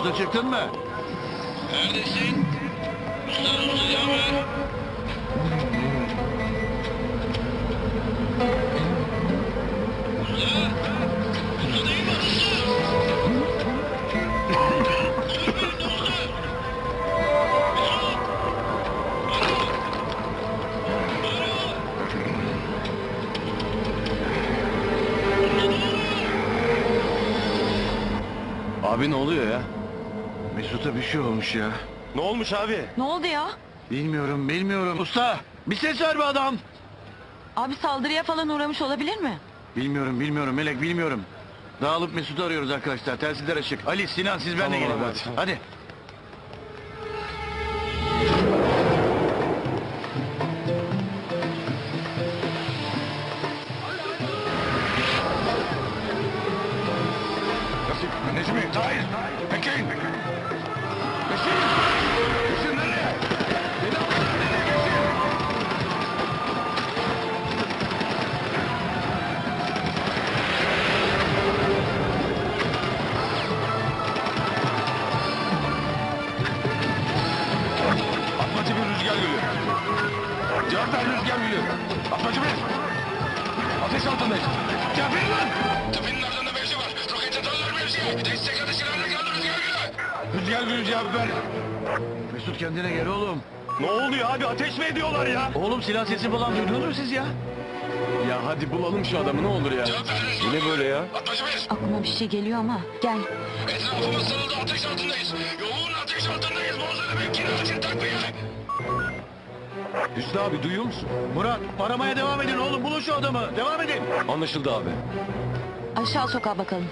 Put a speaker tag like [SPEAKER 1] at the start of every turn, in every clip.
[SPEAKER 1] Usta çıktın mı?
[SPEAKER 2] Neredesin? Usta cevap ver. Usta! Usta değil mi? Usta! Konuş benimle usta! Mesut!
[SPEAKER 1] Abi ne oluyor ya? Mesut'a bir şey olmuş ya.
[SPEAKER 3] Ne olmuş abi?
[SPEAKER 4] Ne oldu ya?
[SPEAKER 1] Bilmiyorum. Usta bir ses ver be adam.
[SPEAKER 4] Abi saldırıya falan uğramış olabilir mi?
[SPEAKER 1] Bilmiyorum Melek bilmiyorum. Dağılıp Mesut'u arıyoruz arkadaşlar. Telsizler açık. Ali, Sinan siz benimle
[SPEAKER 3] Tamam
[SPEAKER 1] gelin.
[SPEAKER 3] abi, hadi.
[SPEAKER 1] Hadi.
[SPEAKER 3] Necmi, Tahir, bekleyin. Beşir! Beşir nereye? Beni alsana nereye Beşir? Atmaca bir rüzgar geliyor. Cevap ver rüzgar geliyor. Atmaca bir. Ateş altındayız. Cevap verin lan! Tepenin ardında mevzi var. Roket atarlar mevziye. Destek atışlarına geldi rüzgar geliyor. Rüzgar geliyor cevap ver.
[SPEAKER 1] Mesut kendine gel oğlum.
[SPEAKER 3] Ne oluyor abi? Ateş mi ediyorlar ya?
[SPEAKER 1] Oğlum silah sesi falan duydunuz mu siz ya?
[SPEAKER 3] Ya hadi bulalım şu adamı ne olur ya. Bu ne böyle ya?
[SPEAKER 4] Aklıma bir şey geliyor ama gel.
[SPEAKER 2] Etrafımız sarıldı, ateş altındayız. Yoğun ateş altındayız. Bozları bekleyin, açın takviye.
[SPEAKER 3] Hüsnü abi duyuyor musun?
[SPEAKER 1] Murat aramaya devam edin oğlum. Bulun şu adamı. Devam edin.
[SPEAKER 3] Anlaşıldı abi.
[SPEAKER 4] Aşağı sokağa bakalım.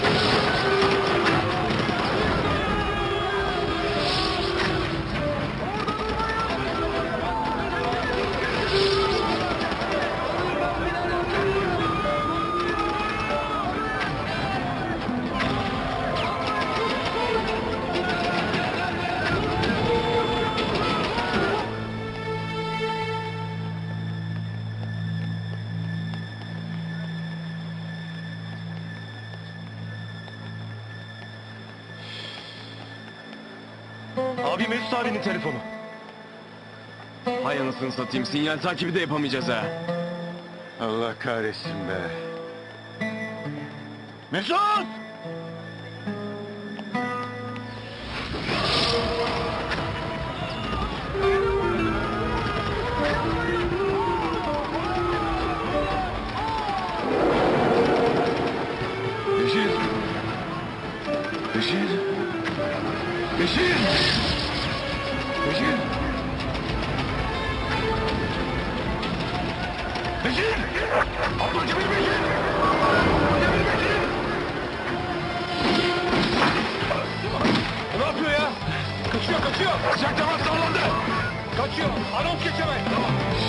[SPEAKER 3] Abi Mesut abinin telefonu. Hay anasını satayım, sinyal takibi de yapamayacağız ha.
[SPEAKER 1] Allah kahretsin be. Mesut! Beşir! Beşir! Beşir! Beşir! Beşir! Ablacı bir Beşir! Ablacı bir Beşir!
[SPEAKER 3] Ne yapıyor ya? Kaçıyor.
[SPEAKER 1] Sıcak temas sağlandı!
[SPEAKER 3] Kaçıyor. Anons geçemez. Tamam.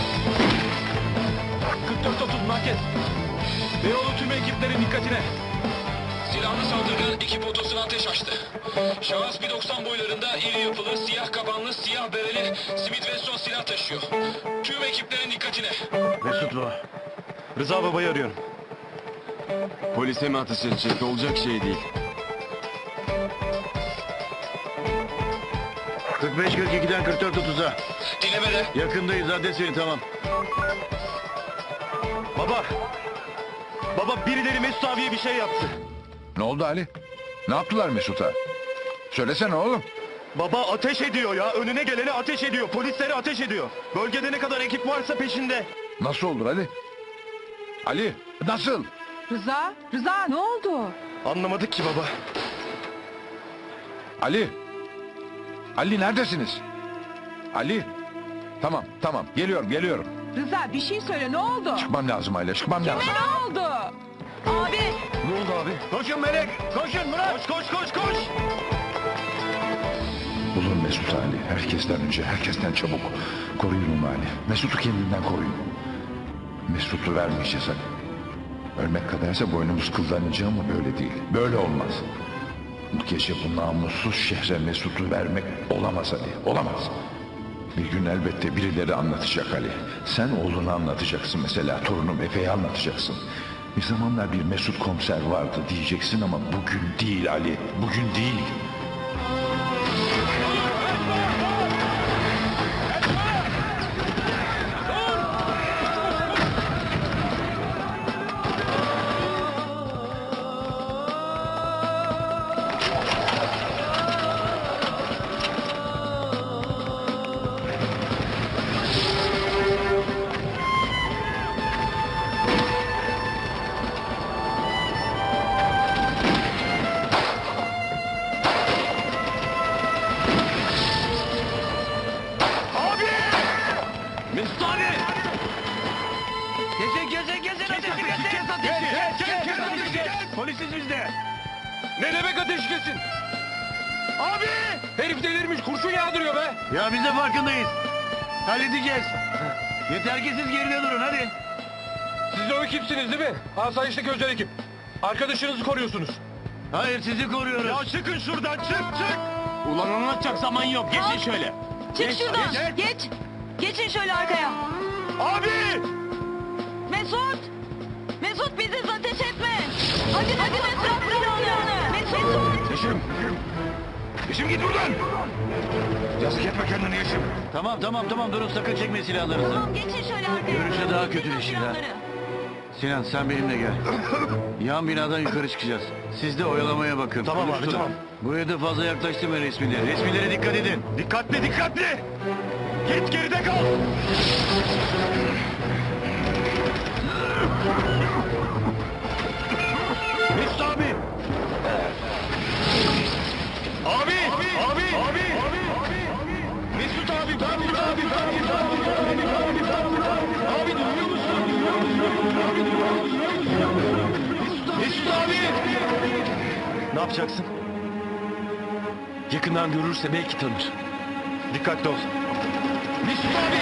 [SPEAKER 3] 44-30 merkez. Beyoğlu tüm ekiplerin dikkatine.
[SPEAKER 2] Silahlı saldırgan ekip otosuna ateş açtı. Şahıs 1.90 boylarında, iri yapılı, siyah kabanlı, siyah bereli, Smith Wesson silah taşıyor. Tüm ekiplerin dikkatine.
[SPEAKER 1] Mesut bu.
[SPEAKER 3] Rıza babayı arıyorum. Polise mi ateş edecek? Olacak şey değil.
[SPEAKER 1] 45-42'den 44-30'a.
[SPEAKER 2] Dinlemede.
[SPEAKER 1] Yakındayız adres verin tamam.
[SPEAKER 3] Baba birileri Mesut abiye bir şey yaptı.
[SPEAKER 5] Ne oldu Ali? Ne yaptılar Mesut'a? Söylesene oğlum.
[SPEAKER 3] Baba ateş ediyor ya. Önüne geleni ateş ediyor. Polislere ateş ediyor. Bölgede ne kadar ekip varsa peşinde.
[SPEAKER 5] Nasıl olur Ali? Ali nasıl?
[SPEAKER 4] Rıza ne oldu?
[SPEAKER 3] Anlamadık ki baba.
[SPEAKER 5] Ali. Ali neredesiniz? Ali. Tamam geliyorum.
[SPEAKER 6] Rıza bir şey söyle ne oldu?
[SPEAKER 5] Çıkmam lazım Ayla çıkmam lazım.
[SPEAKER 6] Ne oldu?
[SPEAKER 4] Abi
[SPEAKER 3] Ne oldu abi?
[SPEAKER 1] Koşun Melek! Koşun Murat!
[SPEAKER 3] Koş.
[SPEAKER 5] Bulun Mesut Ali. Herkesten önce herkesten çabuk. Koruyun onu Ali. Mesut'u kendinden koruyun. Mesut'u vermeyeceğiz Ali. Ölmek kadarsa boynumuz kıllanacak ama böyle değil. Böyle olmaz. Bu gece bu namussuz şehre Mesut'u vermek olamaz Ali. Olamaz. Bir gün elbette birileri anlatacak Ali. Sen oğlunu anlatacaksın mesela. Torunum Efe'ye anlatacaksın. Bir zamanlar bir Mesut komiser vardı diyeceksin ama bugün değil Ali. Bugün değil.
[SPEAKER 1] Polisiz biz de.
[SPEAKER 3] Ne demek ateş kesin? Abi! Herif delirmiş kurşun yağdırıyor be.
[SPEAKER 1] Ya biz de farkındayız. Halledeceğiz. Yeter ki siz geride durun hadi.
[SPEAKER 3] Siz de o ekipsiniz değil mi? Asayişteki özel ekip. Arkadaşınızı koruyorsunuz.
[SPEAKER 1] Hayır sizi koruyoruz. Ya çıkın şuradan çık.
[SPEAKER 3] Ulan anlatacak zaman yok. Geçin şöyle.
[SPEAKER 4] Çık şuradan. Geç. Geçin şöyle arkaya.
[SPEAKER 3] Abi!
[SPEAKER 4] Mesut. Mesut bizi ateş etme. Hadi Mesut silahını. Mesut.
[SPEAKER 3] Yeşim git buradan. Yazık etme kendini Yeşim.
[SPEAKER 1] Tamam durun sakın çekme silahlarınızı.
[SPEAKER 4] Tamam geçin şöyle arkaya.
[SPEAKER 1] Görünüşe daha
[SPEAKER 4] Çekin
[SPEAKER 1] kötüleşir ha.
[SPEAKER 4] silahları.
[SPEAKER 1] Sinan sen benimle gel. Yan binadan yukarı çıkacağız. Siz de oyalamaya bakın.
[SPEAKER 3] Tamam abi,
[SPEAKER 1] Konuşturun.
[SPEAKER 3] tamam.
[SPEAKER 1] Buraya da fazla yaklaştırma resmileri. Resmilere dikkat edin.
[SPEAKER 3] Dikkatli. Git geride kal.
[SPEAKER 1] Mesut abi.
[SPEAKER 3] Abi! Mesut abi! Abi duyuyor musun? Mesut abi! Ne yapacaksın? Yakından görürse belki tanır. Dikkatli ol. Mesut abi!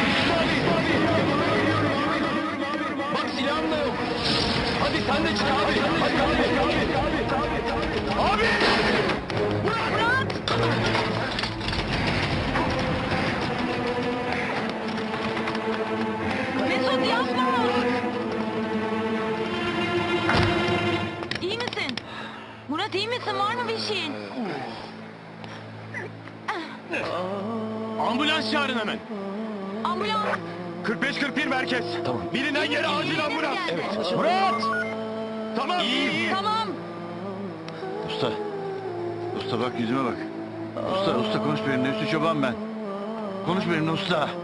[SPEAKER 3] Bak silahım da yok. Hadi sen de çık abi. Abi!
[SPEAKER 4] Mesut yapma. İyi misin? Murat iyi misin? Var mı bir şeyin?
[SPEAKER 3] Ambulans çağırın hemen.
[SPEAKER 4] Ambulans.
[SPEAKER 3] 45-41 merkez. Tamam. Bilinen yere acil ambulans.
[SPEAKER 4] Evet.
[SPEAKER 3] Murat! Tamam. İyi.
[SPEAKER 4] Tamam.
[SPEAKER 1] Usta bak yüzüme bak. Usta konuş benimle. Üstü çoban ben. Konuş benimle usta.